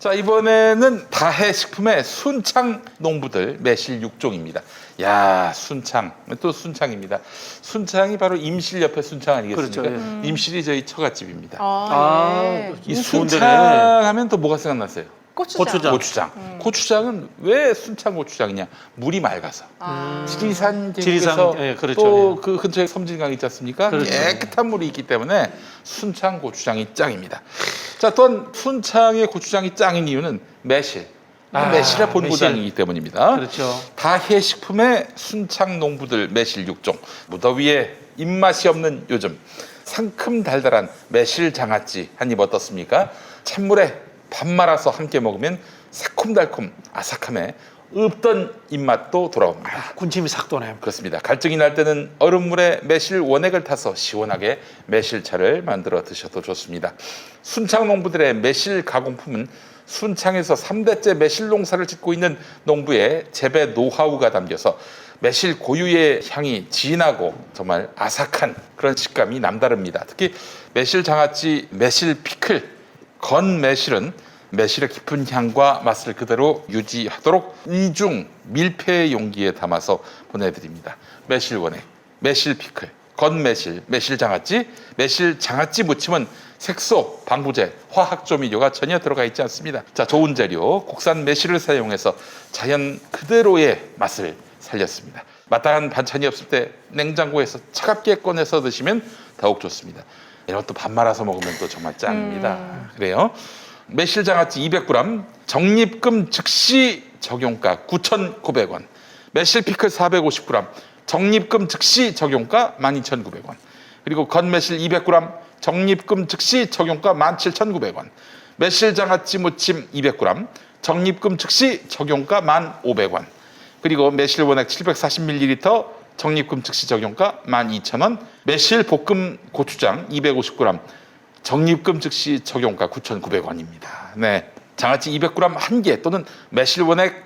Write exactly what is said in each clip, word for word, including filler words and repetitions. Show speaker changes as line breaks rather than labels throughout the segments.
자, 이번에는 다해식품의 순창 농부들 매실 육 종입니다. 야, 순창. 또 순창입니다. 순창이 바로 임실 옆에 순창 아니겠습니까?
그렇죠, 예.
음.
임실이 저희 처갓집입니다.
아, 예.
이
이
수원
순창
데네.
하면 또 뭐가 생각났어요?
고추장.
고추장.
고추장.
음.
고추장은 왜 순창 고추장이냐? 물이 맑아서.
아.
지리산
지리산,
계곡에서
예, 그렇죠.
또 그 근처에 섬진강 있지 않습니까?
그렇죠.
깨끗한 물이 있기 때문에 순창 고추장이 짱입니다. 자, 또한 순창의 고추장이 짱인 이유는 매실.
아,
매실의 본고장이기
매실.
때문입니다.
그렇죠.
다해식품의 순창 농부들 매실 육 종. 무더위에 입맛이 없는 요즘 상큼 달달한 매실 장아찌 한 입 어떻습니까? 찬물에 밥 말아서 함께 먹으면 새콤달콤 아삭함에 없던 입맛도 돌아옵니다.
군침이 싹 도네요.
그렇습니다. 갈증이 날 때는 얼음물에 매실 원액을 타서 시원하게 매실차를 만들어 드셔도 좋습니다. 순창 농부들의 매실 가공품은 순창에서 삼 대째 매실 농사를 짓고 있는 농부의 재배 노하우가 담겨서 매실 고유의 향이 진하고 정말 아삭한 그런 식감이 남다릅니다. 특히 매실 장아찌, 매실 피클, 건 매실은 매실의 깊은 향과 맛을 그대로 유지하도록 이중 밀폐 용기에 담아서 보내드립니다. 매실 원액, 매실 피클, 건 매실, 매실 장아찌, 매실 장아찌 무침은 색소, 방부제, 화학 조미료가 전혀 들어가 있지 않습니다. 자, 좋은 재료, 국산 매실을 사용해서 자연 그대로의 맛을 살렸습니다. 마땅한 반찬이 없을 때 냉장고에서 차갑게 꺼내서 드시면 더욱 좋습니다. 이런 것도 밥 말아서 먹으면 또 정말 짱입니다.
음.
그래요. 매실 장아찌 이백 그램, 적립금 즉시 적용가 구천구백 원, 매실 피클 사백오십 그램, 적립금 즉시 적용가 만 이천구백 원, 그리고 건매실 이백 그램, 적립금 즉시 적용가 만 칠천구백 원, 매실 장아찌 무침 이백 그램, 적립금 즉시 적용가 만 오백 원, 그리고 매실 원액 칠백사십 밀리리터, 적립금 즉시 적용가 만 이천 원, 매실 볶음 고추장 이백오십 그램, 적립금 즉시 적용가 구천구백 원입니다. 네, 장아찌 이백 그램 한 개 또는 매실 원액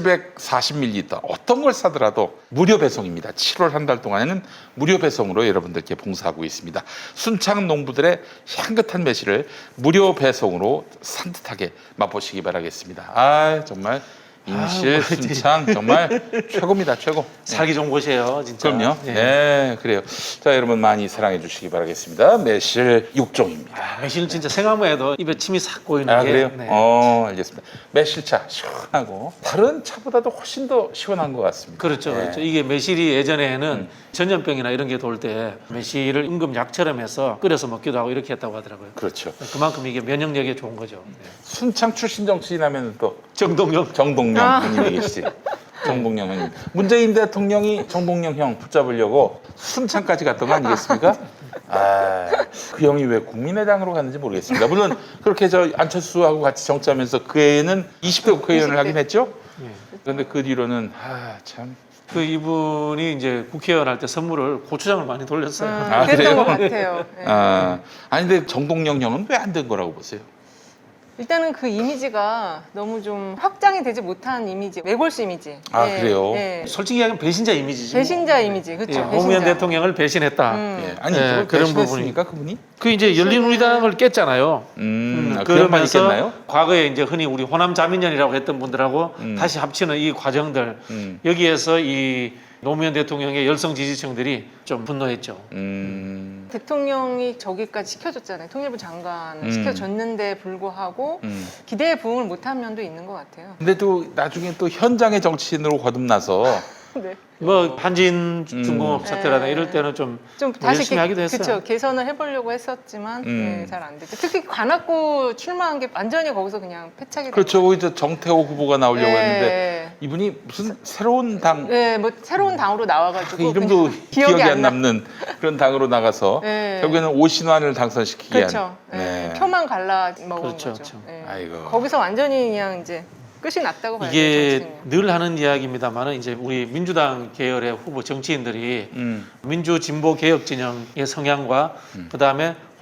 칠백사십 밀리리터 어떤 걸 사더라도 무료 배송입니다. 칠월 한 달 동안에는 무료 배송으로 여러분들께 봉사하고 있습니다. 순창 농부들의 향긋한 매실을 무료 배송으로 산뜻하게 맛보시기 바라겠습니다. 아, 정말 임실,
아,
순창 정말 최고입니다. 최고.
살기 좋은 곳이에요, 진짜.
그럼요.
예.
네, 그래요. 자, 여러분 많이 사랑해 주시기 바라겠습니다. 매실 육 종입니다.
아, 매실은 진짜 생각만 해도 입에 침이 싹 고이는
아,
게.
그래요?
네.
어, 알겠습니다. 매실차 시원하고 다른 차보다도 훨씬 더 시원한 것 같습니다.
그렇죠,
네.
그렇죠. 이게 매실이 예전에는
음.
전염병이나 이런 게 돌 때 매실을 임금 약처럼 해서 끓여서 먹기도 하고 이렇게 했다고 하더라고요.
그렇죠.
그만큼 이게 면역력에 좋은 거죠. 네.
순창 출신 정치인하면 또
정동영.
정동영
아.
형님이 계시지. 정동영 형님. 문재인 대통령이 정동영 형 붙잡으려고 순창까지 갔던 거 아니겠습니까? 아, 그 형이 왜 국민의당으로 갔는지 모르겠습니다. 물론 그렇게 저 안철수하고 같이 정치하면서 그 해에는 이십 대 국회의원을
이십 대.
하긴 했죠.
예.
그런데 그 뒤로는 아, 참.
그 이분이 이제 국회의원 할 때 선물을 고추장을 많이 돌렸어요.
음,
아,
그랬던
그래요?
것 같아요. 예.
아, 아니 근데 정동영 형은 왜 안 된 거라고 보세요?
일단은 그 이미지가 너무 좀 확장이 되지 못한 이미지, 외골수 이미지.
아,
예,
그래요?
예.
솔직히 이야기하면 배신자 이미지지.
배신자 이미지, 그렇죠.
예, 노무현 대통령을 배신했다.
음.
예, 아니
예,
그걸
그런
배신했습니까, 그분이?
그 이제 열린우리당을 깼잖아요.
음,
음,
아, 그 양반
그러면서
있겠나요?
과거에 이제 흔히 우리 호남 자민련이라고 했던 분들하고
음.
다시 합치는 이 과정들
음,
여기에서 이 노무현 대통령의 열성 지지층들이 좀 분노했죠.
음,
대통령이 저기까지 시켜줬잖아요. 통일부 장관을
음.
시켜줬는데 불구하고
음.
기대에 부응을 못한 면도 있는 것 같아요.
근데 또 나중에 또 현장의 정치인으로 거듭나서
네.
뭐 한진 중공업
음.
사태라든가
네.
이럴 때는 좀
좀
뭐
다시
열심히 하기도 했어요.
그쵸, 개선을 해보려고 했었지만
음.
네, 잘 안 됐죠. 특히 관악구 출마한 게 완전히 거기서 그냥 패착이 된
그렇죠.
거예요.
거기서 정태호 후보가 나오려고
네.
했는데 이분이 무슨 새로운 당
네, 뭐 새로운 당으로 나와가지고
그 이름도
그냥
기억이, 안
나-
남는 그런 당으로 나가서
네.
결국에는 오신환을 당선시키게
그렇죠.
한.
네. 표만 갈라 먹은
그렇죠,
거죠.
그렇죠.
네.
아이고.
거기서 완전히 그냥 이제 끝이 났다고 봐야 돼요.
이게
정치는요.
늘 하는 이야기입니다만은 이제 우리 민주당 계열의 후보 정치인들이
음,
민주 진보 개혁 진영의 성향과
음.
그다음에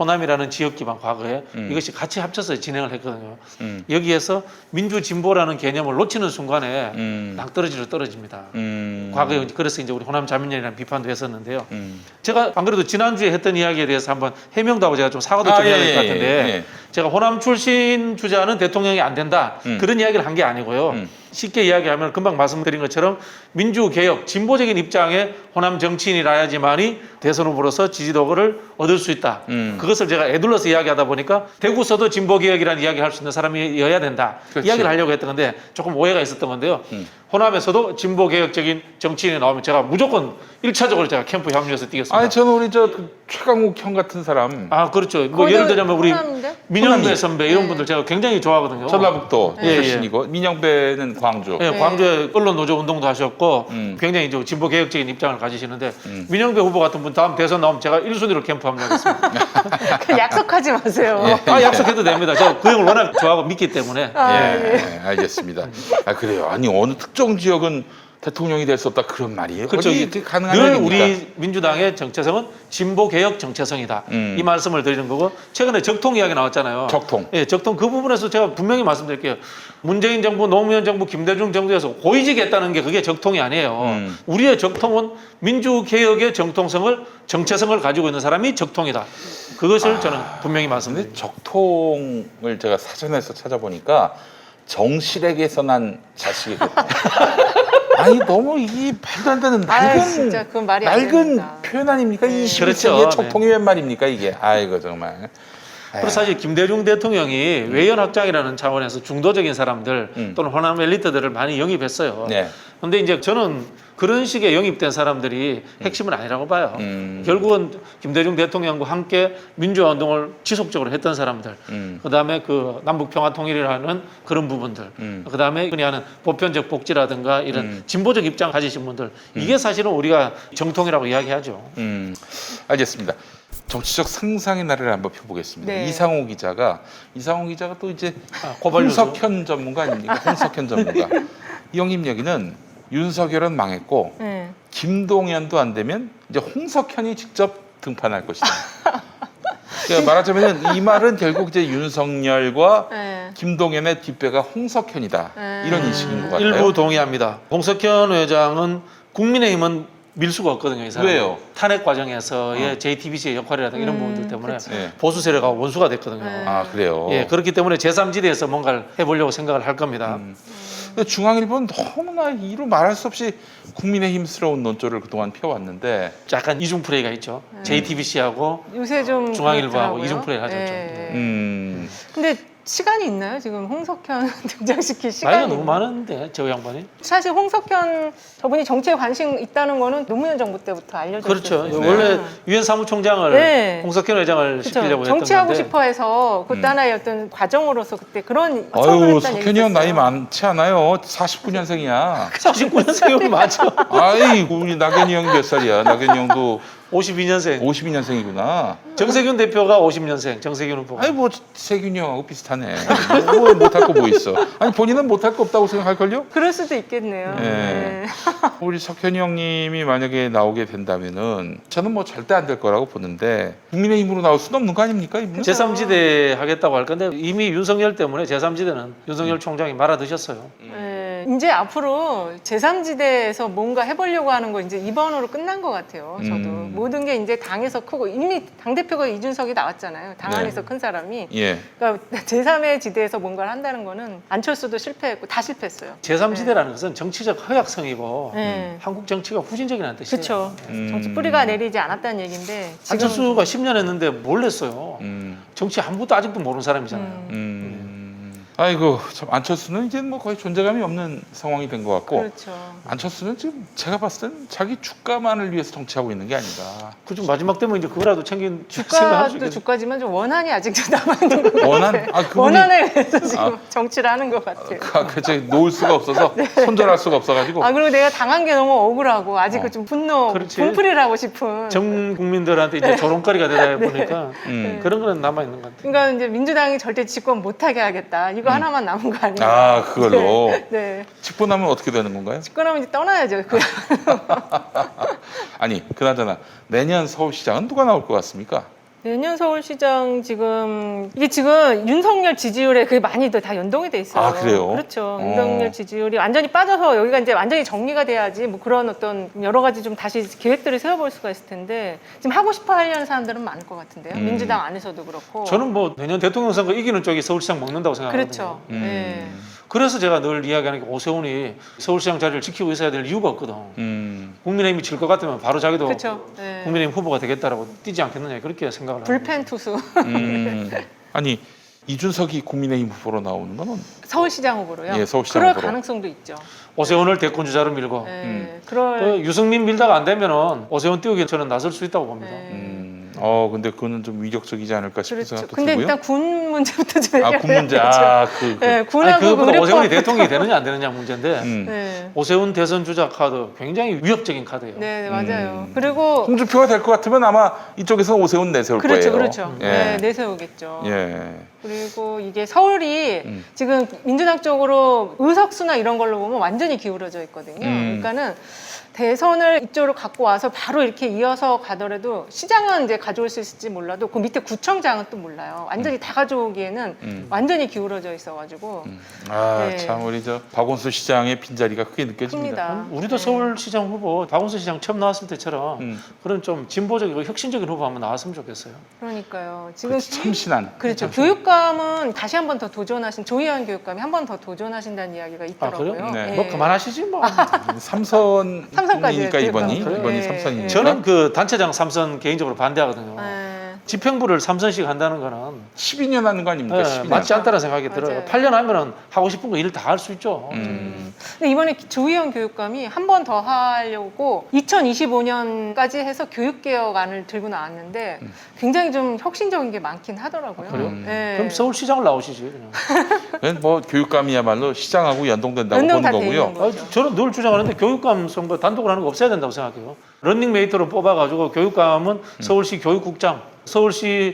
호남이라는 지역 기반 과거에
음.
이것이 같이 합쳐서 진행을 했거든요.
음.
여기에서 민주 진보라는 개념을 놓치는 순간에
음.
낭떠러지로 떨어집니다.
음.
과거에 그래서 이제 우리 호남 자민련이라는 비판도 했었는데요.
음.
제가 안 그래도 지난주에 했던 이야기에 대해서 한번 해명도 하고 제가 좀 사과도
아,
좀 해야
예,
될 것
예,
같은데
예.
제가 호남 출신 주자는 대통령이 안 된다
음.
그런 이야기를 한 게 아니고요.
음.
쉽게 이야기하면 금방 말씀드린 것처럼 민주개혁, 진보적인 입장의 호남 정치인이라야지만이 대선 후보로서 지지도를 얻을 수 있다.
음.
그것을 제가 애둘러서 이야기하다 보니까 대구서도 진보개혁이라는 이야기를 할 수 있는 사람이어야 된다.
그렇지.
이야기를 하려고 했던 건데 조금 오해가 있었던 건데요.
음.
호남에서도 진보개혁적인 정치인이 나오면 제가 무조건 일차적으로 제가 캠프 합류해서 뛰겠습니다.
아니 저는 우리 저그 최강욱 형 같은 사람
아 그렇죠. 뭐 예를 들자면 우리
호남인데?
민영배
호남이.
선배 이런
네.
분들 제가 굉장히 좋아하거든요.
전라북도
예, 예.
출신이고 민영배는 광주.
예,
네.
광주에 언론 노조 운동도 하셨고
음.
굉장히 이제 진보 개혁적인 입장을 가지시는데
음.
민영배 후보 같은 분 다음 대선 나오면 제가 일 순위로 캠프 합류하겠습니다.
그 약속하지 마세요.
아 약속해도 됩니다. 제가 그 형을 워낙 좋아하고 믿기 때문에.
아,
예,
예.
알겠습니다. 아 그래요. 아니 어느 특정 지역은 대통령이 될 수 없다 그런 말이에요.
그렇죠.
어디 이렇게 가능한
늘
일입니까?
우리 민주당의 정체성은 진보 개혁 정체성이다.
음.
이 말씀을 드리는 거고 최근에 적통 이야기 나왔잖아요.
적통.
예, 적통 그 부분에서 제가 분명히 말씀드릴게요. 문재인 정부, 노무현 정부, 김대중 정부에서 고위직했다는 게 그게 적통이 아니에요.
음.
우리의 적통은 민주 개혁의 정통성을 정체성을 가지고 있는 사람이 적통이다. 그것을 저는 분명히
근데
말씀드립니다.
적통을 제가 사전에서 찾아보니까 정실에게서 난 자식이거든요. 아니 너무 이 말도 안 되는
아유,
낡은
진짜 그건 말이 안
낡은
됩니다.
표현 아닙니까?
네.
이십일 세기의
그렇죠.
적통이 웬 말입니까 이게? 아이고 정말.
그리고 사실 김대중 대통령이 외연 확장이라는 차원에서 중도적인 사람들
음.
또는 호남 엘리트들을 많이 영입했어요.
네.
근데 이제 저는 그런 식의 영입된 사람들이 핵심은 아니라고 봐요.
음.
결국은 김대중 대통령과 함께 민주화 운동을 지속적으로 했던 사람들,
음.
그다음에 그 남북 평화 통일이라는 그런 부분들,
음.
그다음에 흔히 하는 보편적 복지라든가 이런
음.
진보적 입장 가지신 분들, 이게 사실은 우리가 정통이라고 이야기하죠.
음, 알겠습니다. 정치적 상상의 나래를 한번 펴보겠습니다.
네.
이상호 기자가 이상호 기자가 또 이제
아, 고발뉴스.
홍석현 전문가 아닙니까? 홍석현 전문가. 이 형님 여기는 윤석열은 망했고
네.
김동연도 안 되면 이제 홍석현이 직접 등판할 것이다. 그러니까 말하자면 이 말은 결국 이제 윤석열과
네.
김동연의 뒷배가 홍석현이다.
네.
이런 인식인 것 같아요.
일부 동의합니다. 홍석현 회장은 국민의힘은 밀 수가 없거든요. 이 사람.
왜요?
탄핵 과정에서의
어.
제이티비씨의 역할이라든가 이런
음,
부분들 때문에
그치.
네.
보수 세력과 원수가 됐거든요.
네.
아 그래요.
예, 그렇기 때문에 제삼지대에서 뭔가를 해보려고 생각을 할 겁니다.
음. 근데 중앙일보는 너무나 이루 말할 수 없이 국민의힘스러운 논조를 그동안 펴왔는데
약간 이중 플레이가 있죠.
네.
제이티비씨하고
요새 좀
중앙일보하고
그렇더라고요.
이중 플레이를 하죠, 좀.
네.
음,
근데 시간이 있나요? 지금 홍석현 등장시킬 시간이
나이가 너무
있나요?
많은데 저 양반이.
사실 홍석현 저분이 정치에 관심 있다는 거는 노무현 정부 때부터 알려져
그렇죠.
있었어요.
원래 유엔 사무총장을
네.
홍석현 회장을
그쵸.
시키려고 했던
정치하고
건데
싶어해서 그것도
음.
하나의 어떤 과정으로서 그때 그런 처음을
아유
했다는
석현이 형
얘기
나이
있었어요.
많지 않아요. 사십구 년생이야.
사십구 년생이면 맞죠.
아이 우리 낙연이 형이 몇 살이야? 낙연이 형도
오십이 년생.
오십이 년생이구나.
정세균 대표가 오십 년생. 정세균 후보가.
아니 뭐 세균이 형하고 비슷하네. 뭐 못할 거 뭐 있어? 아니 본인은 못할 거 없다고 생각할걸요?
그럴 수도 있겠네요.
네.
네.
우리 석현이 형님이 만약에 나오게 된다면은 저는 뭐 절대 안 될 거라고 보는데 국민의힘으로 나올 수는 없는 거 아닙니까 이분은?
제삼지대 하겠다고 할 건데 이미 윤석열 때문에 제삼지대는 윤석열
음.
총장이 말아드셨어요.
네. 이제 앞으로 제삼지대에서 뭔가 해보려고 하는 거 이제 이번으로 끝난 것 같아요. 저도
음.
모든 게 이제 당에서 크고 이미 당 대표가 이준석이 나왔잖아요. 당
네.
안에서 큰 사람이.
예.
그러니까 제삼의 지대에서 뭔가를 한다는 거는 안철수도 실패했고 다 실패했어요.
제삼지대라는 것은 정치적 허약성이고
네.
한국 정치가 후진적이라는 뜻이에요.
그렇죠.
음.
정치 뿌리가 내리지 않았다는 얘기인데 지금
안철수가 십 년 했는데 뭘 했어요.
음.
정치 아무것도 아직도 모르는 사람이잖아요.
음.
음. 아이고 참 안철수는 이제 뭐 거의 존재감이 없는 상황이 된 것 같고
그렇죠.
안철수는 지금 제가 봤을 때는 자기 주가만을 위해서 정치하고 있는 게 아닌가.
그중 마지막 되면 이제 그거라도 챙긴 생각할 수
주가도
있겠죠.
주가지만 좀 원한이 아직도 남아있는 것 같아요.
원한? 아, 그분이-
원한에 의해서 지금
아.
정치를 하는 것 같아요.
그, 그, 놓을 수가 없어서 손절할 수가 없어가지고.
아 그리고 내가 당한 게 너무 억울하고 아직
어.
좀 분노,
그렇지.
분풀이를 하고 싶은.
전 국민들한테 이제 조롱거리가 되다 보니까
음.
그런 거는 남아 있는 것 같아요.
그러니까 이제 민주당이 절대 집권 못하게 하겠다. 이거
음.
하나만 남은 거 아니에요?
아 그걸로
네. 네.
직보 나면 어떻게 되는 건가요?
집권하면 이제 떠나야죠. 그
아니 그나저나 내년 서울시장은 누가 나올 것 같습니까?
내년 서울시장 지금 이게 지금 윤석열 지지율에 그게 많이 다 연동이 돼 있어요.
아, 그래요?
그렇죠.
어.
윤석열 지지율이 완전히 빠져서 여기가 이제 완전히 정리가 돼야지 뭐 그런 어떤 여러 가지 좀 다시 계획들을 세워볼 수가 있을 텐데 지금 하고 싶어 하려는 사람들은 많을 것 같은데요.
음.
민주당 안에서도 그렇고.
저는 뭐 내년 대통령 선거 이기는 쪽이 서울시장 먹는다고 생각하거든요.
그렇죠.
음.
네.
그래서 제가 늘 이야기하는 게 오세훈이 서울시장 자리를 지키고 있어야 될 이유가 없거든.
음.
국민의힘이 질 것 같으면 바로 자기도
그렇죠. 네.
국민의힘 후보가 되겠다라고 뛰지 않겠느냐 그렇게 생각을 합니다.
불펜 투수
음. 아니 이준석이 국민의힘 후보로 나오는 건
서울시장 후보로요.
예, 서울시장
그럴
후보로.
가능성도 있죠.
오세훈을 대권 주자로 밀고
네.
음.
그럴.
그 유승민 밀다가 안 되면은 오세훈 띄우기 저는 나설 수 있다고 봅니다.
네.
음. 어 근데 그거는 좀 위력적이지 않을까 싶은
그렇죠.
생각도
근데
들고요.
일단 군 문제부터 좀
아,
해결해야
군 문제.
되죠.
아, 그, 그.
네,
아니,
군하고
그것보다
의료법.
오세훈이 대통령이 되느냐 안 되느냐 문제인데
음.
네.
오세훈 대선 주자 카드 굉장히 위협적인 카드예요.
네, 네, 맞아요.
음.
그리고
홍준표가 될 것 같으면 아마 이쪽에서 오세훈 내세울
그렇죠,
거예요.
그렇죠.
예.
네, 내세우겠죠.
예.
그리고 이게 서울이
음.
지금 민주당 쪽으로 의석수나 이런 걸로 보면 완전히 기울어져 있거든요.
음.
그러니까는 대선을 이쪽으로 갖고 와서 바로 이렇게 이어서 가더라도 시장은 이제 가져올 수 있을지 몰라도 그 밑에 구청장은 또 몰라요. 완전히 다 가져오기에는
음.
완전히 기울어져 있어가지고
음. 아,
네.
참 우리 저 박원순 시장의 빈자리가 크게 느껴집니다.
큽니다.
우리도
네.
서울시장 후보 박원순 시장 처음 나왔을 때처럼
음.
그런 좀 진보적이고 혁신적인 후보 한번 나왔으면 좋겠어요.
그러니까요. 지금
그렇지, 참신한.
그렇죠.
참신한.
교육감은 다시 한 번 더 도전하신 조희연 교육감이 한 번 더 도전하신다는 이야기가 있더라고요.
그래요?
네.
뭐 그만하시지 뭐.
삼선이니까
삼선까지
이번이
교육감.
이번이
네.
삼선이니까.
저는 그 단체장 삼선 개인적으로 반대하거든요.
네.
집행부를 삼선씩 한다는 거는
십이 년 하는 거 아닙니까?
네,
십이 년.
맞지 않다는 생각이
맞아요.
들어요. 팔 년 하면은 하고 싶은 거 일 다 할 수 있죠.
음.
근데 이번에 조희연 교육감이 한 번 더 하려고 이천이십오 년까지 해서 교육개혁안을 들고 나왔는데
음.
굉장히 좀 혁신적인 게 많긴 하더라고요.
아, 그래요?
네.
그럼 서울시장을 나오시지. 그냥.
그건 뭐 교육감이야말로 시장하고 연동된다고
연동
보는
다 돼
거고요.
있는 거죠.
아, 저는 늘 주장하는데 교육감 선거 단독으로 하는 거 없애야 된다고 생각해요. 런닝메이트로 뽑아가지고 교육감은
음.
서울시 교육국장, 서울시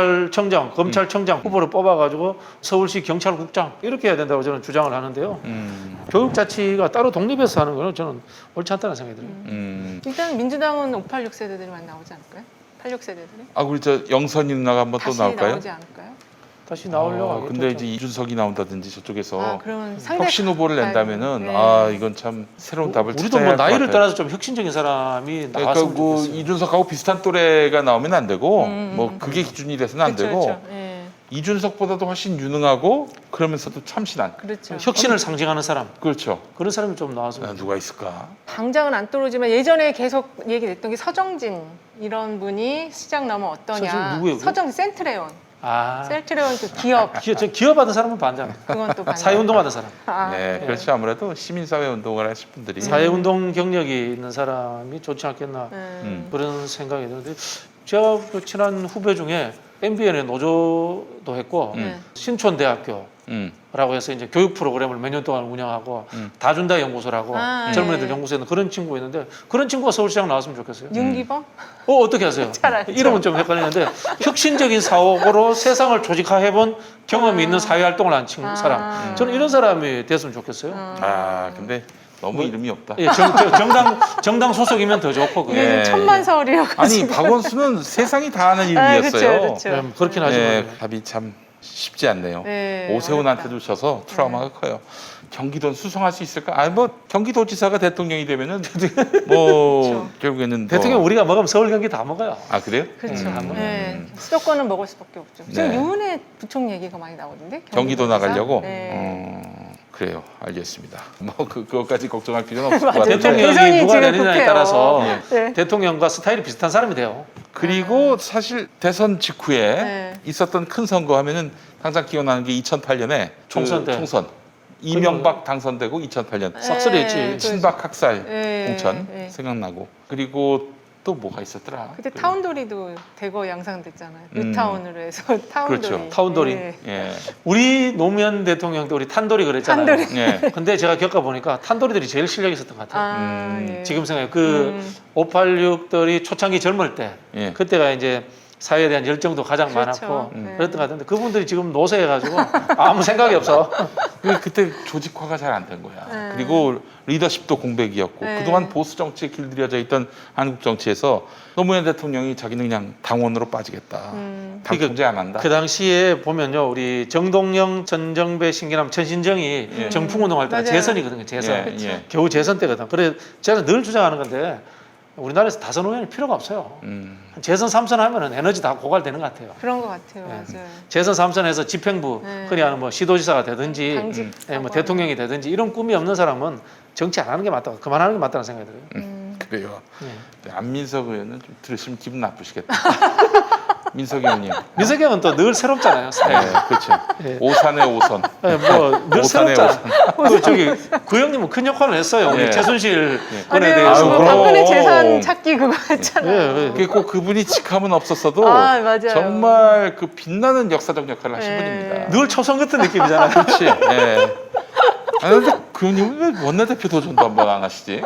경찰청장, 검찰청장 후보로 뽑아가지고 서울시 경찰국장 이렇게 해야 된다고 저는 주장을 하는데요.
음.
교육자치가 따로 독립해서 하는 거는 저는 옳지 않다는 생각이 들어요.
음.
일단 민주당은 오팔육 세대들이 많이 나오지 않을까요? 팔육 세대들이?
아 우리 저 영선이 누나가 한번 또
다시
나올까요?
나오지 않을까요?
다시 나오려고
아,
하겠죠.
근데 이제 이준석이 나온다든지 저쪽에서
아, 그러면 상대
혁신 후보를 낸다면은
네.
아 이건 참 새로운 답을
우리도
찾아야
뭐
할 것
나이를
같아요.
따라서 좀 혁신적인 사람이
그러니까
나왔으면
뭐
좋겠어요.
이준석하고 비슷한 또래가 나오면 안 되고
음,
뭐
음,
그게 기준이 돼서는 안
그렇죠,
되고
그렇죠. 예.
이준석보다도 훨씬 유능하고 그러면서도 참신한
그렇죠.
혁신을 상징하는 사람
그렇죠.
그런 사람이 좀 나왔으면
아, 누가 있을까?
당장은 안 떠오르지만 예전에 계속 얘기됐던 게 서정진 이런 분이 시장 나오면 어떠냐.
서정진 누구예요, 그거?
서정진 센트레온.
아
센트레온 그 기업
기업, 저 기업 받은 사람은 반대합니다.
그건 또 반대.
사회운동 받은 사람.
아,
네, 그렇죠. 아무래도 시민사회 운동을 하실 분들이
사회운동 경력이 있는 사람이 좋지 않겠나
음.
그런 생각이 드는데 제가 그 친한 후배 중에 엠비엔에 노조도 했고
네.
신촌대학교
음,
라고 해서 이제 교육 프로그램을 몇 년 동안 운영하고
음.
다준다 연구소라고
아,
젊은
네.
애들 연구소에 있는 그런 친구가 있는데 그런 친구가 서울시장 나왔으면 좋겠어요.
윤기범?
어 어떻게 하세요?
잘 알죠.
이름은 좀 헷갈리는데 혁신적인 사고로 세상을 조직화해본 경험이
아.
있는 사회활동을 한 친구
아.
사람. 저는 이런 사람이 됐으면 좋겠어요.
아 근데 너무 이름이 없다.
예, 정, 정- 정당 정당 소속이면 더 좋고 그게.
이게
예.
좀 천만서울이어가지고.
아니 박원순은 세상이 다 아는
아,
이름이었어요.
그렇죠, 그렇죠.
네, 그렇긴 하지만
네, 답이 참 쉽지 않네요.
네,
오세훈한테
어렵다.
주셔서 트라우마가 커요. 경기도는 수성할 수 있을까? 아니 뭐 경기도지사가 대통령이 되면은 뭐
그렇죠.
결국에는 뭐-
대통령 우리가 먹으면 서울 경기 다 먹어요.
아 그래요?
그렇죠.
음.
네. 수도권은 먹을 수밖에 없죠. 지금
네.
유은혜 부총 얘기가 많이 나오던데.
경기도
경기도지사?
나가려고.
네.
어, 그래요. 알겠습니다. 뭐 그, 그것까지 걱정할 필요는 없을 것
맞아요.
같아요.
대통령이
대선이
누가
지금
되느냐에
급해요.
따라서
네.
대통령과 스타일이 비슷한 사람이 돼요.
그리고 사실 대선 직후에
네.
있었던 큰 선거 하면은 항상 기억나는 게 이천팔 년에
총선 때.
총선 이명박 당선되고 이천팔 년
싹쓸이 했지.
네,
친박 학살
네,
공천
네.
생각나고 그리고 또 뭐가 있었더라.
그때
그-
타운돌이도 대거 양상됐잖아요.
음.
뉴타운으로 해서 타운돌이.
그렇죠.
타운돌이.
네.
예.
우리 노무현 대통령도 우리 탄돌이 그랬잖아요.
탄돌이.
예.
근데 제가 겪어보니까 탄돌이들이 제일 실력 있었던 것 같아요.
아,
음,
예.
지금 생각해 그
음.
오팔육들이 초창기 젊을 때
예.
그때가 이제 사회에 대한 열정도 가장
그렇죠.
많았고
음.
그랬던 것 같은데 그분들이 지금 노쇠해가지고 아무 생각이 없어.
그- 그때 조직화가 잘 안 된 거야.
네.
그리고 리더십도 공백이었고
네.
그동안 보수 정치에 길들여져 있던 한국 정치에서 노무현 대통령이 자기는 그냥 당원으로 빠지겠다.
음.
당 통제 안 한다.
그 당시에 보면요, 우리 정동영, 전정배, 신기남, 천신정이
예.
정풍운동할 때가
맞아요.
재선이거든요. 재선.
예,
그렇죠.
예.
겨우 재선 때거든. 그래 제가 늘 주장하는 건데 우리나라에서 다선 의원이 필요가 없어요.
음.
재선 삼 선 하면은 에너지 다 고갈되는 것 같아요.
그런 것 같아요.
네.
맞아요.
재선 삼 선에서 집행부,
네.
흔히 하는 뭐 시도지사가 되든지,
당직
예, 뭐 대통령이 되든지 이런 꿈이 없는 사람은 정치 안 하는 게 맞다. 그만하는 게 맞다는 생각이 들어요.
음.
그래요.
예.
안민석 의원은 좀 들으시면 기분 나쁘시겠다. 민석 의원님.
민석이 형은 또 늘 새롭잖아요. 스타일.
네, 그렇죠.
예.
오산의 오선.
예, 뭐늘
오산의
새롭잖아. 그 저기 그 형님은 큰 역할을 했어요. 우리
예.
최순실 건에
맞아요.
대해서.
아유,
그
그럼.
박근혜 재산 찾기 그거 했잖아요.
예, 예.
그게 꼭 그분이 직함은 없었어도
아, 맞아요.
정말 그 빛나는 역사적 역할을 하신
네.
분입니다.
늘 초선 같은 느낌이잖아요.
그렇지. 예. 아 근데 그 형님은 왜 원내대표 도전도 한번 안 하시지?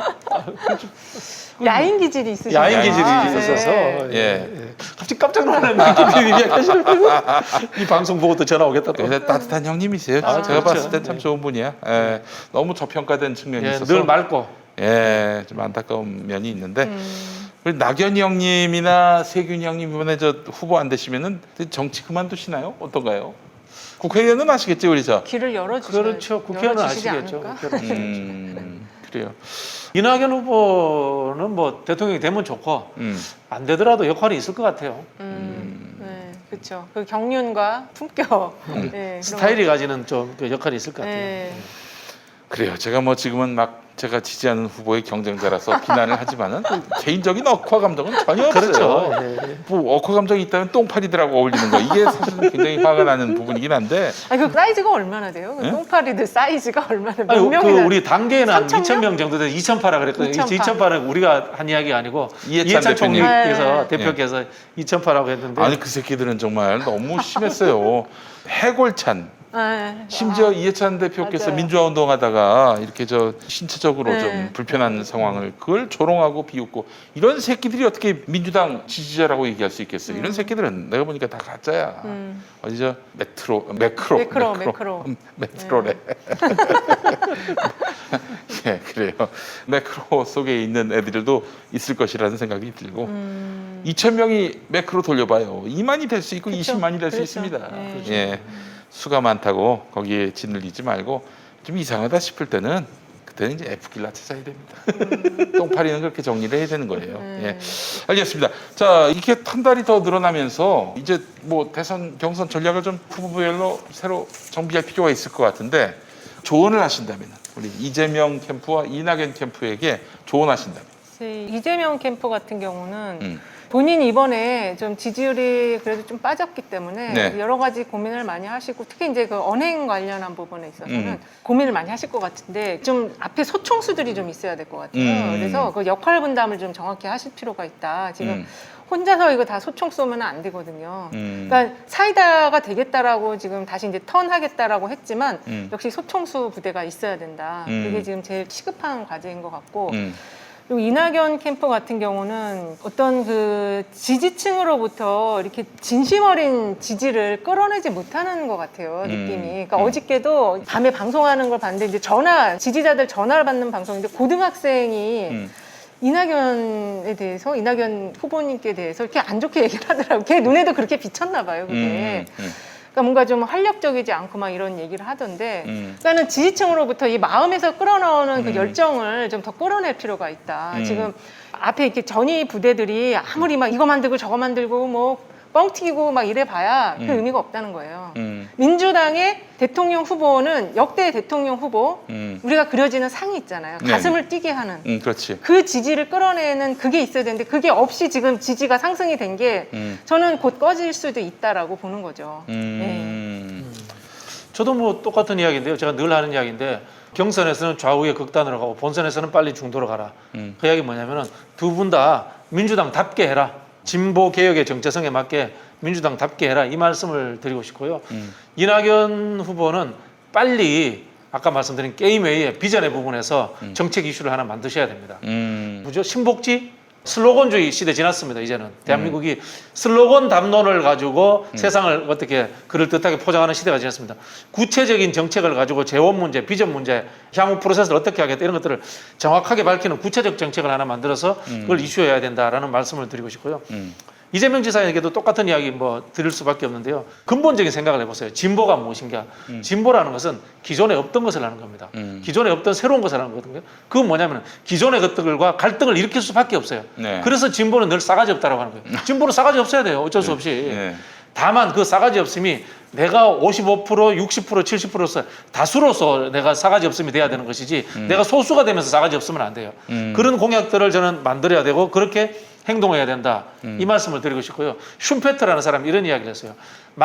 야인 기질이 있으시죠.
야인 기질이
아,
있어서
네.
예.
예.
예. 갑자기 깜짝 놀라는 느낌이 이야기하시는 이 방송 보고 또 전화 오겠다 또.
근데 따뜻한 형님이세요.
아,
제가
그렇죠.
봤을 땐 참
네.
좋은 분이야. 예. 너무 저평가된 측면이
예,
있어서
늘 맑고.
예, 좀 안타까운 면이 있는데
음.
우리 낙연이 형님이나 세균이 형님 이번에 저 후보 안 되시면은 정치 그만두시나요? 어떤가요? 국회의원은 아시겠지 우리 저.
길을 열어주셔야
그렇죠. 국회의원은
열어주시지
아시겠죠.
않을까?
국회의원은.
음, 그래요.
이낙연 후보는 뭐 대통령이 되면 좋고
음.
안 되더라도 역할이 있을 것 같아요.
음, 네, 그렇죠. 그 경륜과 품격,
음.
네, 그런
스타일이
거.
가지는 좀 그 역할이 있을 것 같아요.
네.
그래요. 제가 뭐 지금은 막 제가 지지하는 후보의 경쟁자라서 비난을 하지만은 개인적인 억화 감정은 전혀 없어요.
그렇죠. 예, 예.
뭐 억화 감정이 있다면 똥파리들하고 어울리는 거 이게 사실은 굉장히 화가 나는 부분이긴 한데
아니 그 사이즈가 얼마나 돼요? 그
예?
똥파리들 사이즈가 얼마나 몇
아니, 그
명이나?
우리 단계는 한
삼천 명?
이천 명 정도 돼서 이천팔백 그랬거든요.
이천팔.
이천팔은 우리가 한 이야기가 아니고
이해찬
이해찬
대표님.
총리께서
네.
대표께서 이천팔이라고 했는데
아니 그 새끼들은 정말 너무 심했어요. 해골찬.
네.
심지어
아,
이해찬 대표께서
맞아요.
민주화 운동하다가 이렇게 저 신체적으로
네.
좀 불편한 상황을 그걸 조롱하고 비웃고 이런 새끼들이 어떻게 민주당 지지자라고 얘기할 수 있겠어요? 이런 새끼들은 내가 보니까 다 가짜야.
음.
어디 저 메트로 매크로
매크로, 매크로.
음, 메트로래. 예, 그래요. 매크로 속에 있는 애들도 있을 것이라는 생각이 들고
음.
이천 명이 매크로 돌려봐요. 이만이 될 수 있고
그쵸.
이십만이 될 수
그렇죠.
있습니다.
네.
예, 수가 많다고 거기에 짓눌리지 말고 좀 이상하다 싶을 때는 그때는 이제 F길라 찾아야 됩니다. 똥파리는 그렇게 정리를 해야 되는 거예요.
음.
예, 알겠습니다. 자, 이렇게 한 달이 더 늘어나면서 이제 뭐 대선 경선 전략을 좀 후보별로 새로 정비할 필요가 있을 것 같은데 조언을 하신다면 우리 이재명 캠프와 이낙연 캠프에게 조언하신다면.
제 이재명 캠프 같은 경우는
음.
본인이 이번에 좀 지지율이 그래도 좀 빠졌기 때문에
네.
여러 가지 고민을 많이 하시고 특히 이제 그 언행 관련한 부분에 있어서는
음.
고민을 많이 하실 것 같은데 좀 앞에 소총수들이 좀 있어야 될 것 같아요.
음.
그래서 그 역할 분담을 좀 정확히 하실 필요가 있다. 지금
음.
혼자서 이거 다 소총 쏘면 안 되거든요.
음.
그러니까 사이다가 되겠다라고 지금 다시 이제 턴하겠다라고 했지만
음.
역시 소총수 부대가 있어야 된다.
음.
그게 지금 제일 시급한 과제인 것 같고
음.
그리고 이낙연 캠프 같은 경우는 어떤 그 지지층으로부터 이렇게 진심 어린 지지를 끌어내지 못하는 것 같아요, 느낌이. 그러니까
음.
어저께도 밤에 방송하는 걸 봤는데 이제 전화, 지지자들 전화를 받는 방송인데 고등학생이
음.
이낙연에 대해서, 이낙연 후보님께 대해서 이렇게 안 좋게 얘기를 하더라고요. 걔 눈에도 그렇게 비쳤나 봐요, 그게.
음. 음.
그러니까 뭔가 좀 활력적이지 않고 막 이런 얘기를 하던데
음.
그러니까는 지지층으로부터 이 마음에서 끌어나오는 그
음.
열정을 좀 더 끌어낼 필요가 있다.
음.
지금 앞에 이렇게 전위 부대들이 아무리 막 이거 만들고 저거 만들고 뭐 뻥튀기고 막 이래 봐야 그
음.
의미가 없다는 거예요.
음.
민주당의 대통령 후보는 역대 대통령 후보
음.
우리가 그려지는 상이 있잖아요.
네.
가슴을 뛰게 하는
음. 그렇지.
그 지지를 끌어내는 그게 있어야 되는데 그게 없이 지금 지지가 상승이 된 게
음.
저는 곧 꺼질 수도 있다라고 보는 거죠.
음.
저도 뭐 똑같은 이야기인데요. 제가 늘 하는 이야기인데 경선에서는 좌우에 극단으로 가고 본선에서는 빨리 중도로 가라.
음.
그 이야기 뭐냐면은 두 분 다 민주당답게 해라. 진보 개혁의 정체성에 맞게 민주당답게 해라. 이 말씀을 드리고 싶고요.
음.
이낙연 후보는 빨리 아까 말씀드린 게임회의 비전의 부분에서
음.
정책 이슈를 하나 만드셔야 됩니다.
음.
뭐죠? 신복지, 슬로건주의 시대 지났습니다. 이제는 대한민국이 슬로건 담론을 가지고
음.
세상을 어떻게 그럴듯하게 포장하는 시대가 지났습니다. 구체적인 정책을 가지고 재원 문제, 비전 문제, 향후 프로세스를 어떻게 하겠다 이런 것들을 정확하게 밝히는 구체적 정책을 하나 만들어서 그걸 이슈해야 된다라는 말씀을 드리고 싶고요.
음.
이재명 지사에게도 똑같은 이야기 뭐 드릴 수밖에 없는데요. 근본적인 생각을 해보세요. 진보가 무엇인가?
음.
진보라는 것은 기존에 없던 것을 하는 겁니다.
음.
기존에 없던 새로운 것을 하는 거거든요. 그건 뭐냐면 기존의 것들과 갈등을 일으킬 수밖에 없어요.
네.
그래서 진보는 늘 싸가지 없다라고 하는 거예요. 진보는 싸가지 없어야 돼요. 어쩔 수 없이.
네.
다만 그 싸가지 없음이 내가 오십오 퍼센트, 육십 퍼센트, 칠십 퍼센트로서 다수로서 내가 싸가지 없음이 돼야 되는 것이지 내가 소수가 되면서 싸가지 없으면 안 돼요.
음.
그런 공약들을 저는 만들어야 되고 그렇게 행동해야 된다.
음.
이 말씀을 드리고 싶고요. 슌페트라는 사람이 이런 이야기를 했어요.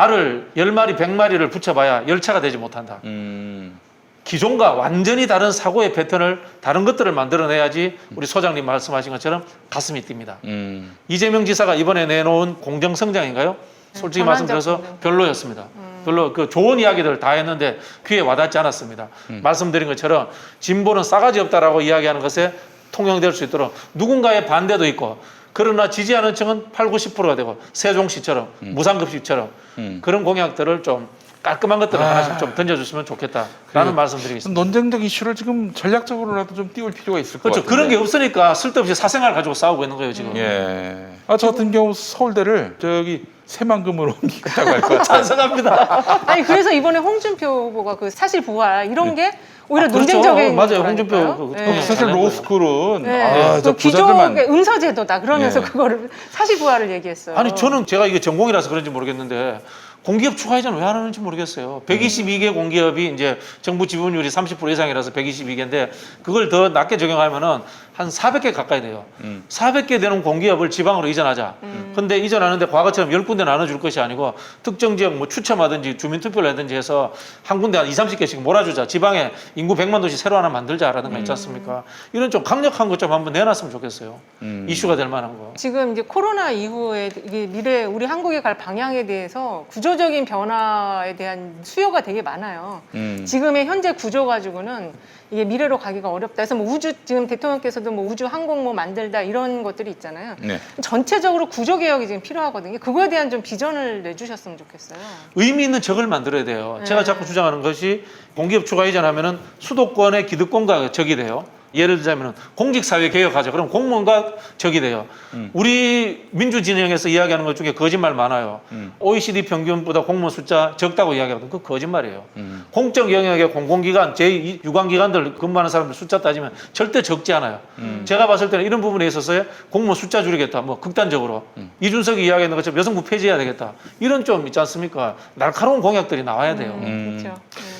말을 열 마리, 백 마리를 붙여봐야 열차가 되지 못한다.
음.
기존과 완전히 다른 사고의 패턴을 다른 것들을 만들어내야지 우리 소장님 말씀하신 것처럼 가슴이 뜁니다.
음.
이재명 지사가 이번에 내놓은 공정성장인가요? 솔직히
전환적
말씀드려서
공정.
별로였습니다. 별로 그 좋은 이야기들 다 했는데 귀에 와닿지 않았습니다. 말씀드린 것처럼 진보는 싸가지 없다라고 이야기하는 것에 통용될 수 있도록 누군가의 반대도 있고 그러나 지지하는 층은 팔, 구십 퍼센트가 되고 세종시처럼 무상급식처럼
음.
그런 공약들을 좀 깔끔한 것들을
아.
하나씩 좀 던져주시면 좋겠다라는
그래요.
말씀드리겠습니다.
논쟁적 이슈를 지금 전략적으로라도 좀 띄울 필요가 있을 것
그렇죠.
같아요.
그런 게 없으니까 쓸데없이 사생활 가지고 싸우고 있는 거예요 지금.
예. 아, 저 같은 경우 서울대를 저기 새만금으로 옮기겠다고 할 것 같아요.
찬성합니다.
아니 그래서 이번에 홍준표 후보가 그 사실 부활 이런 게 오히려
아, 그렇죠.
논쟁적인
맞아요.
거라니까요.
홍준표 그-
네.
그-
사실
잘낸 거예요.
로스쿨은
네.
아, 저
그 기존의
부자들만
음서제도다 그러면서
예.
그거를 사실 부활을 얘기했어요.
아니 저는 제가 이게 전공이라서 그런지 모르겠는데 공기업 추가 이전 왜 안 하는지 모르겠어요. 백이십이 개 공기업이 이제 정부 지분율이 삼십 퍼센트 이상이라서 백이십이 개인데 그걸 더 낮게 적용하면은 한 사백 개 가까이 돼요.
음.
사백 개 되는 공기업을 지방으로 이전하자. 근데 이전하는데 과거처럼 열 군데 나눠줄 것이 아니고 특정 지역 뭐 추첨하든지 주민투표를 하든지 해서 한 군데 한 이삼십 개씩 몰아주자. 지방에 인구 백만 도시 새로 하나 만들자라든가 있지 않습니까? 이런 좀 강력한 것 좀 한번 내놨으면 좋겠어요.
음.
이슈가 될 만한 거.
지금 이제 코로나 이후에 이게 미래 우리 한국이 갈 방향에 대해서 구조적인 변화에 대한 수요가 되게 많아요.
음.
지금의 현재 구조 가지고는 이게 미래로 가기가 어렵다. 그래서 뭐 우주 지금 대통령께서도 뭐 우주 항공 뭐 만들다 이런 것들이 있잖아요.
네.
전체적으로 구조 개혁이 지금 필요하거든요. 그거에 대한 좀 비전을 내주셨으면 좋겠어요.
의미 있는 적을 만들어야 돼요.
네.
제가 자꾸 주장하는 것이 공기업 추가 이전하면은 수도권의 기득권과 적이 돼요. 예를 들자면 공직사회 개혁하자. 그럼 공무원과 적이 돼요.
음.
우리 민주진영에서 이야기하는 것 중에 거짓말 많아요.
음.
오이시디 평균보다 공무원 숫자 적다고 이야기하거든요. 그거 거짓말이에요.
음.
공적 영역의 공공기관, 제이 유관기관들 근무하는 사람들 숫자 따지면 절대 적지 않아요.
음.
제가 봤을 때는 이런 부분에 있어서 공무원 숫자 줄이겠다. 뭐 극단적으로.
음.
이준석이 이야기하는 것처럼 여성부 폐지해야 되겠다. 이런 좀 있지 않습니까? 날카로운 공약들이 나와야 돼요.
음.
그렇죠. 네.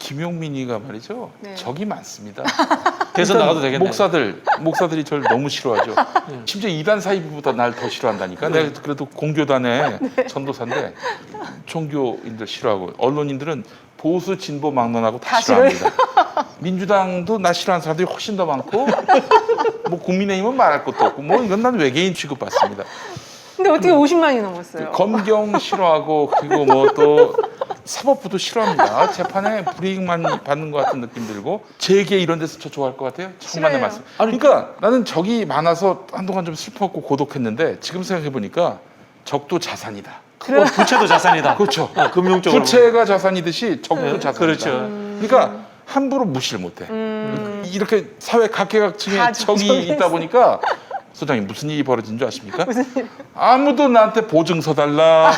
김용민이가 말이죠.
네.
적이 많습니다.
대선
일단
나가도 되겠네.
목사들, 목사들이 저를 너무 싫어하죠. 심지어 이단 사이비보다 날 더 싫어한다니까. 내가 그래도 공교단의 전도사인데 종교인들 싫어하고 언론인들은 보수 진보 막론하고 다,
다
싫어합니다. 민주당도 나 싫어하는 사람들이 훨씬 더 많고 뭐 국민의힘은 말할 것도 없고 뭐 이건 난 외계인 취급받습니다.
근데 어떻게 오십만이 넘었어요?
검경 싫어하고 그리고 뭐 또 사법부도 싫어합니다. 재판에 불이익만 받는 것 같은 느낌 들고 재계 이런 데서 저 좋아할 것 같아요. 천만의
싫어요.
말씀. 그러니까 나는 적이 많아서 한동안 좀 슬펐고 고독했는데 지금 생각해 보니까 적도 자산이다.
어, 부채도 자산이다.
그렇죠.
어, 금융적으로.
부채가 자산이듯이 적도
네,
자산이다.
그렇죠.
그러니까 함부로 무시를 못해.
음,
이렇게 사회 각계각층에
다
적이
적이
있다 보니까 소장님 무슨 일이 벌어진 줄 아십니까? 아무도 나한테 보증서 달라,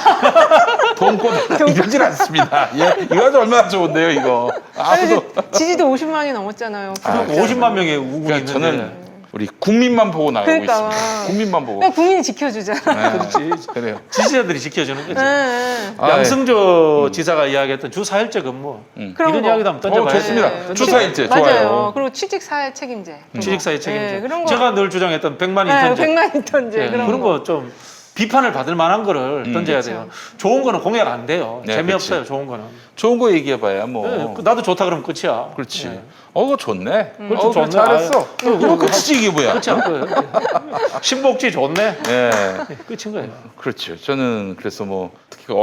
돈 꿔달라 이러질 않습니다. 예, 이거 아주 얼마나 좋은데요, 이거.
아니,
아무도.
근데 지지도 오십만이 넘었잖아요.
아,
구독자.
오십만 명의 우군이
그러니까
있는데.
저는 우리 국민만 보고 나가고
그러니까.
있습니다. 국민만 보고.
그냥 국민이 지켜주잖아.
네,
그렇지.
그래요.
지지자들이 지켜주는 거지.
네, 네.
아,
양승조 지사가 이야기했던 주 사 일제 근무.
음.
그런
이런
거.
이야기도 한번
어,
던져봐야
좋습니다.
돼요.
주 사 일제
맞아요.
좋아요.
그리고 취직 사회 책임제.
취직사회 책임제.
네, 그런 거.
제가 늘 주장했던 백만
네,
인턴제.
백만 인턴제
네,
그런,
그런
거.
거 좀 비판을 받을 만한 거를
음.
던져야
그렇죠.
돼요. 좋은 거는 공약 안 돼요.
네,
재미없어요.
그렇지.
좋은 거는.
좋은 거 얘기해봐야 뭐.
네, 나도 좋다 그러면 끝이야.
그렇지.
네.
어, 그거 좋네.
그렇죠,
어, 그거
좋네.
잘했어.
아유, 그거,
이거
그거
끝이지 이게 뭐야?
그렇지 않고요. 신복지 좋네.
예.
끝인 거예요.
그렇죠. 저는 그래서 뭐 특히 그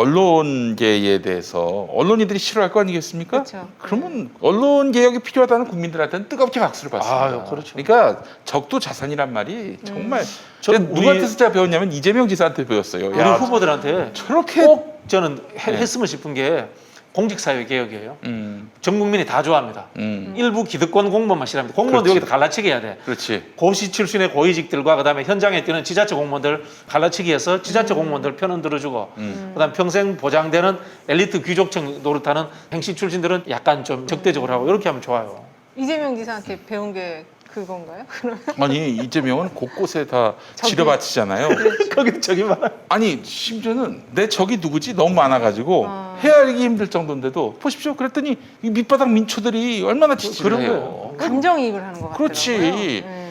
언론계에 대해서 언론인들이 싫어할 거 아니겠습니까?
그렇죠.
그러면 언론 개혁이 필요하다는 국민들한테는 뜨겁게 박수를 받습니다.
아유, 그렇죠.
그러니까 적도 자산이란 말이 정말
저
근데
우리-
누구한테서 제가 배웠냐면 이재명 지사한테 배웠어요.
우리
야,
후보들한테
저렇게
꼭 저는 해,
네.
했으면 싶은 게 공직사회 개혁이에요.
음,
전 국민이 다 좋아합니다.
음,
일부 기득권 공무원만 싫어합니다. 공무원도
그렇지.
여기다 갈라치기 해야 돼.
그렇지.
고시 출신의 고위직들과 그다음에 현장에 뛰는 지자체 공무원들 갈라치기 해서 지자체 공무원들 편은 들어주고
음.
그다음 평생 보장되는 엘리트 귀족층 노릇하는 행시 출신들은 약간 좀 적대적으로 하고 이렇게 하면 좋아요.
이재명 지사한테 배운 게 그건가요? 그러면
아니 이재명은 곳곳에 다
적이-
지려바치잖아요.
거기 저기 많아.
아니 심지어는 내 적이 누구지 너무 많아가지고
아.
헤아리기 힘들 정도인데도 보십시오. 그랬더니 이 밑바닥 민초들이 얼마나 지지를
그런
해요.
거예요.
감정이입을 하는 것 같더라고요.
그렇지.
네.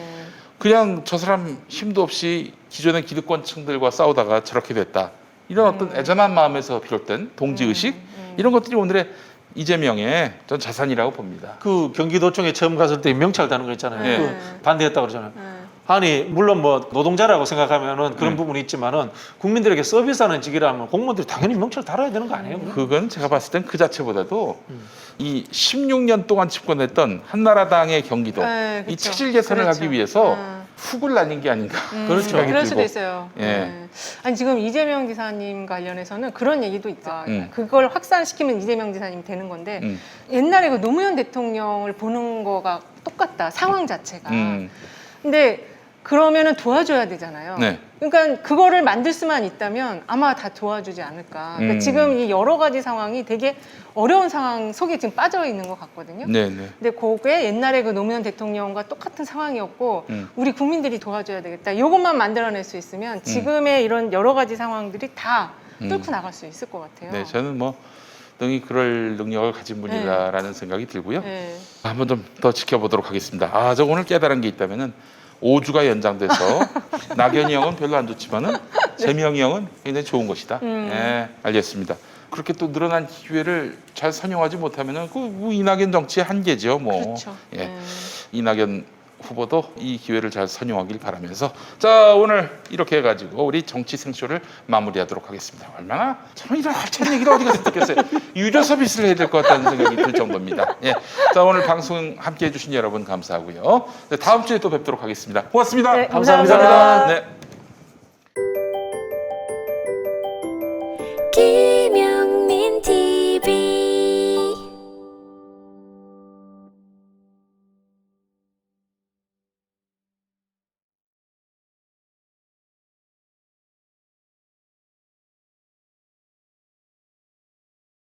그냥 저 사람 힘도 없이 기존의 기득권층들과 싸우다가 저렇게 됐다. 이런 어떤 애잔한 마음에서 비롯된 동지의식 이런 것들이 오늘의 이재명의 전 자산이라고 봅니다.
그 경기도청에 처음 갔을 때 명찰 다는 거 있잖아요.
네.
그 반대했다고 그러잖아요.
네.
아니 물론 뭐 노동자라고 생각하면은 그런
네.
부분이 있지만은 국민들에게 서비스하는 직이라면 공무원들이 당연히 명찰 달아야 되는 거 아니에요?
그건 제가 봤을 땐 그 자체보다도 이 십육 년 동안 집권했던 한나라당의 경기도
네,
이
그쵸.
체질 개선을
그렇죠.
하기 위해서
음.
훅을 날린 게 아닌가
음,
그런 생각이
그럴
들고.
수도 있어요.
예.
네. 아니 지금 이재명 지사님 관련해서는 그런 얘기도 있죠.
음.
그걸 확산시키면 이재명 지사님 되는 건데
음,
옛날에 그 노무현 대통령을 보는 거가 똑같다. 상황 자체가.
음,
근데 그러면은 도와줘야 되잖아요.
네.
그러니까 그거를 만들 수만 있다면 아마 다 도와주지 않을까. 그러니까
음.
지금 이 여러 가지 상황이 되게 어려운 상황 속에 지금 빠져 있는 것 같거든요.
네, 네.
근데 그게 옛날에 그 노무현 대통령과 똑같은 상황이었고
음.
우리 국민들이 도와줘야 되겠다. 이것만 만들어낼 수 있으면 지금의 이런 여러 가지 상황들이 다 뚫고 나갈 수 있을 것 같아요.
네, 저는 뭐 능히 그럴 능력을 가진 분이다라는 생각이 들고요.
네.
한번 좀 더 지켜보도록 하겠습니다. 아, 저 오늘 깨달은 게 있다면은 오 주가 연장돼서 낙연이 형은 별로 안 좋지만은 재명이 형은 굉장히 좋은 것이다.
음.
예, 알겠습니다. 그렇게 또 늘어난 기회를 잘 선용하지 못하면은 그 이낙연 정치의 한계죠. 뭐
그렇죠.
예,
네.
이낙연 후보도 이 기회를 잘 선용하길 바라면서 자 오늘 이렇게 해가지고 우리 정치 생쇼를 마무리하도록 하겠습니다. 얼마나 참 이런 알찬 얘기를 어디 가서 듣겠어요. 유료 서비스를 해야 될 것 같다는 생각이 들 정도입니다. 예, 자 오늘 방송 함께해 주신 여러분 감사하고요. 네, 다음 주에 또 뵙도록 하겠습니다. 고맙습니다.
네,
감사합니다.
감사합니다.
네.
기